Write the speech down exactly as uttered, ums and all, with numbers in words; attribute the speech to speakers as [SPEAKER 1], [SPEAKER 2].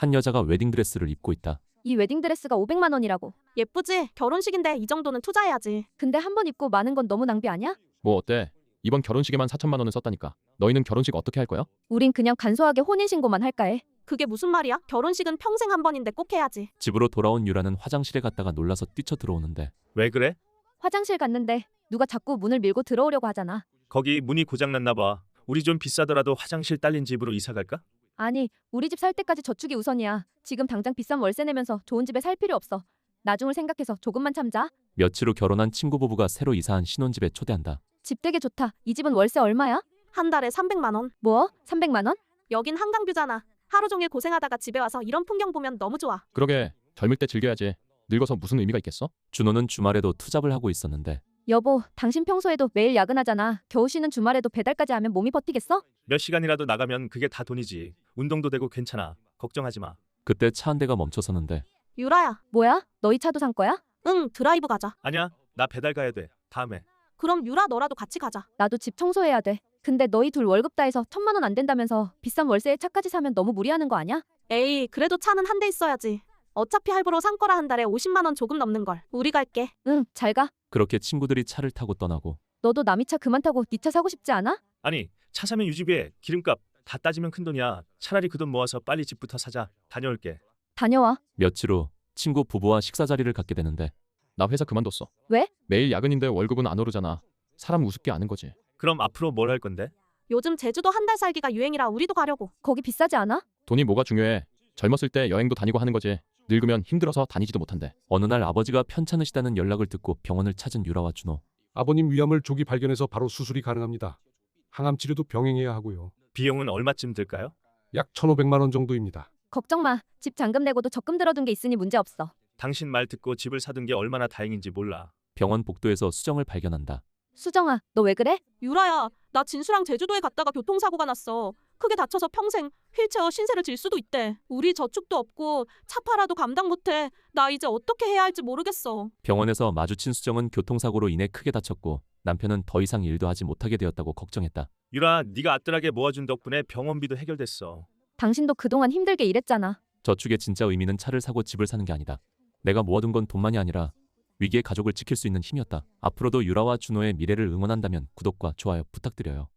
[SPEAKER 1] 한 여자가 웨딩드레스를 입고 있다.
[SPEAKER 2] 이 웨딩드레스가 오백만 원이라고.
[SPEAKER 3] 예쁘지? 결혼식인데 이 정도는 투자해야지.
[SPEAKER 2] 근데 한 번 입고 많은 건 너무 낭비 아니야?
[SPEAKER 4] 뭐 어때? 이번 결혼식에만 사천만 원을 썼다니까. 너희는 결혼식 어떻게 할 거야?
[SPEAKER 2] 우린 그냥 간소하게 혼인신고만 할까 해.
[SPEAKER 3] 그게 무슨 말이야? 결혼식은 평생 한 번인데 꼭 해야지.
[SPEAKER 1] 집으로 돌아온 유라는 화장실에 갔다가 놀라서 뛰쳐 들어오는데
[SPEAKER 5] 왜 그래?
[SPEAKER 2] 화장실 갔는데 누가 자꾸 문을 밀고 들어오려고 하잖아.
[SPEAKER 5] 거기 문이 고장났나 봐. 우리 좀 비싸더라도 화장실 딸린 집으로 이사 갈까?
[SPEAKER 2] 아니, 우리 집 살 때까지 저축이 우선이야. 지금 당장 비싼 월세 내면서 좋은 집에 살 필요 없어. 나중을 생각해서 조금만 참자.
[SPEAKER 1] 며칠 후 결혼한 친구 부부가 새로 이사한 신혼집에 초대한다.
[SPEAKER 2] 집 되게 좋다. 이 집은 월세 얼마야?
[SPEAKER 3] 한 달에 삼백만 원.
[SPEAKER 2] 뭐? 삼백만 원?
[SPEAKER 3] 여긴 한강뷰잖아. 하루 종일 고생하다가 집에 와서 이런 풍경 보면 너무 좋아.
[SPEAKER 4] 그러게 젊을 때 즐겨야지. 늙어서 무슨 의미가 있겠어?
[SPEAKER 1] 준호는 주말에도 투잡을 하고 있었는데
[SPEAKER 2] 여보, 당신 평소에도 매일 야근하잖아. 겨우 쉬는 주말에도 배달까지 하면 몸이 버티겠어?
[SPEAKER 5] 몇 시간이라도 나가면 그게 다 돈이지. 운동도 되고 괜찮아. 걱정하지 마.
[SPEAKER 1] 그때 차 한 대가 멈춰서는데
[SPEAKER 3] 유라야.
[SPEAKER 2] 뭐야? 너희 차도 산 거야?
[SPEAKER 3] 응, 드라이브 가자.
[SPEAKER 5] 아니야. 나 배달 가야 돼. 다음에.
[SPEAKER 3] 그럼 유라 너라도 같이 가자.
[SPEAKER 2] 나도 집 청소해야 돼. 근데 너희 둘 월급 다 해서 천만 원 안 된다면서 비싼 월세에 차까지 사면 너무 무리하는 거 아니야?
[SPEAKER 3] 에이, 그래도 차는 한 대 있어야지. 어차피 할부로 산 거라 한 달에 오십만 원 조금 넘는 걸. 우리 갈게.
[SPEAKER 2] 응, 잘 가.
[SPEAKER 1] 그렇게 친구들이 차를 타고 떠나고
[SPEAKER 2] 너도 남이 차 그만 타고 네 차 사고 싶지 않아?
[SPEAKER 5] 아니, 차 사면 유지비에 기름값 다 따지면 큰 돈이야. 차라리 그 돈 모아서 빨리 집부터 사자. 다녀올게.
[SPEAKER 2] 다녀와.
[SPEAKER 1] 며칠 후 친구 부부와 식사 자리를 갖게 되는데
[SPEAKER 4] 나 회사 그만뒀어.
[SPEAKER 2] 왜?
[SPEAKER 4] 매일 야근인데 월급은 안 오르잖아. 사람 우습게 아는 거지.
[SPEAKER 5] 그럼 앞으로 뭘 할 건데?
[SPEAKER 3] 요즘 제주도 한 달 살기가 유행이라 우리도 가려고.
[SPEAKER 2] 거기 비싸지 않아?
[SPEAKER 4] 돈이 뭐가 중요해. 젊었을 때 여행도 다니고 하는 거지. 늙으면 힘들어서 다니지도 못한대.
[SPEAKER 1] 어느 날 아버지가 편찮으시다는 연락을 듣고 병원을 찾은 유라와 준호.
[SPEAKER 6] 아버님 위암을 조기 발견해서 바로 수술이 가능합니다. 항암 치료도 병행해야 하고요.
[SPEAKER 5] 비용은 얼마쯤 들까요?
[SPEAKER 6] 약 천오백만 원 정도입니다.
[SPEAKER 2] 걱정 마. 집 잔금 내고도 적금 들어둔 게 있으니 문제 없어.
[SPEAKER 5] 당신 말 듣고 집을 사둔 게 얼마나 다행인지 몰라.
[SPEAKER 1] 병원 복도에서 수정을 발견한다.
[SPEAKER 2] 수정아, 너 왜 그래?
[SPEAKER 3] 유라야, 나 진수랑 제주도에 갔다가 교통사고가 났어. 크게 다쳐서 평생 휠체어 신세를 질 수도 있대. 우리 저축도 없고 차 팔아도 감당 못해. 나 이제 어떻게 해야 할지 모르겠어.
[SPEAKER 1] 병원에서 마주친 수정은 교통사고로 인해 크게 다쳤고 남편은 더 이상 일도 하지 못하게 되었다고 걱정했다.
[SPEAKER 5] 유라, 네가 아뜰하게 모아준 덕분에 병원비도 해결됐어.
[SPEAKER 2] 당신도 그동안 힘들게 일했잖아.
[SPEAKER 1] 저축의 진짜 의미는 차를 사고 집을 사는 게 아니다. 내가 모아둔 건 돈만이 아니라 위기의 가족을 지킬 수 있는 힘이었다. 앞으로도 유라와 준호의 미래를 응원한다면 구독과 좋아요 부탁드려요.